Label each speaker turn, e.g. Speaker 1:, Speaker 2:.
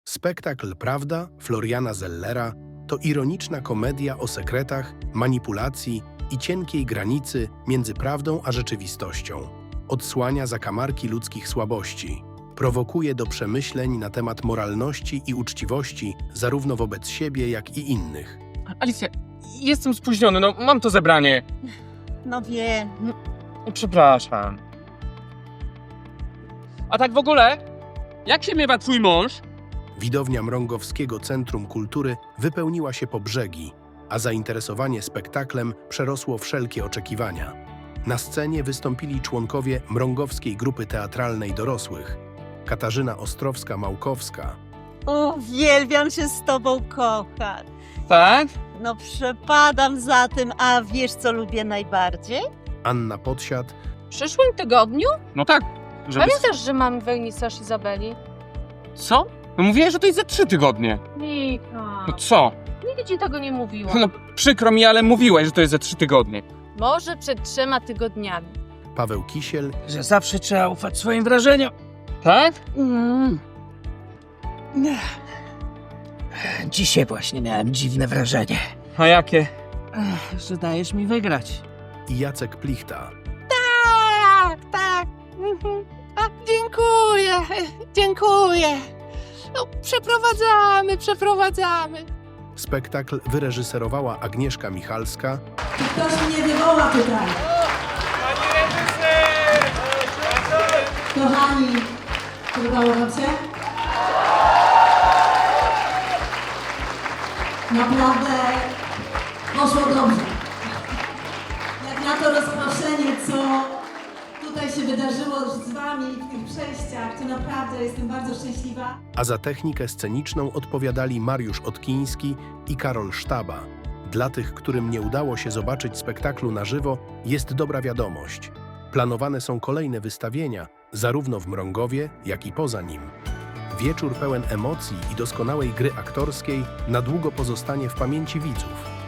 Speaker 1: Spektakl Prawda Floriana Zellera to ironiczna komedia o sekretach, manipulacji i cienkiej granicy między prawdą a rzeczywistością. Odsłania zakamarki ludzkich słabości. Prowokuje do przemyśleń na temat moralności i uczciwości zarówno wobec siebie, jak i innych.
Speaker 2: Alicja, jestem spóźniony, no mam to zebranie.
Speaker 3: No wiem.
Speaker 2: Przepraszam. A tak w ogóle, jak się miewa twój mąż?
Speaker 1: Widownia Mrągowskiego Centrum Kultury wypełniła się po brzegi, a zainteresowanie spektaklem przerosło wszelkie oczekiwania. Na scenie wystąpili członkowie Mrągowskiej Grupy Teatralnej Dorosłych, Katarzyna Ostrowska-Małkowska,
Speaker 3: Uwielbiam się z tobą kochać.
Speaker 2: Tak?
Speaker 3: No przepadam za tym, a wiesz co lubię najbardziej?
Speaker 1: Anna Podsiad,
Speaker 4: W przyszłym tygodniu?
Speaker 2: No tak. Żeby...
Speaker 4: Pamiętasz, że mamy wernisaż Izabeli?
Speaker 2: Co? No mówiłeś, że to jest za 3 tygodnie.
Speaker 4: Mika.
Speaker 2: No co?
Speaker 4: Nigdy ci tego nie mówiła.
Speaker 2: No przykro mi, ale mówiłeś, że to jest za 3 tygodnie.
Speaker 4: Może przed 3 tygodniami.
Speaker 1: Paweł Kisiel,
Speaker 5: Że zawsze trzeba ufać swoim wrażeniom.
Speaker 2: Tak?
Speaker 5: Dzisiaj właśnie miałem dziwne wrażenie,
Speaker 2: A jakie?
Speaker 5: że dajesz mi wygrać.
Speaker 1: i Jacek Plichta.
Speaker 6: Tak. Dziękuję. No, przeprowadzamy.
Speaker 1: Spektakl wyreżyserowała Agnieszka Michalska,
Speaker 7: Ktoś mnie wywoła pytanie. Kochani, podobało wam się? Naprawdę poszło dobrze. Jak na to rozproszenie, co tutaj się wydarzyło z wami w tych przejściach, to naprawdę jestem bardzo szczęśliwa.
Speaker 1: a za technikę sceniczną odpowiadali Mariusz Otkiński i Karol Sztaba. Dla tych, którym nie udało się zobaczyć spektaklu na żywo, jest dobra wiadomość. Planowane są kolejne wystawienia, zarówno w Mrągowie, jak i poza nim. Wieczór pełen emocji i doskonałej gry aktorskiej na długo pozostanie w pamięci widzów.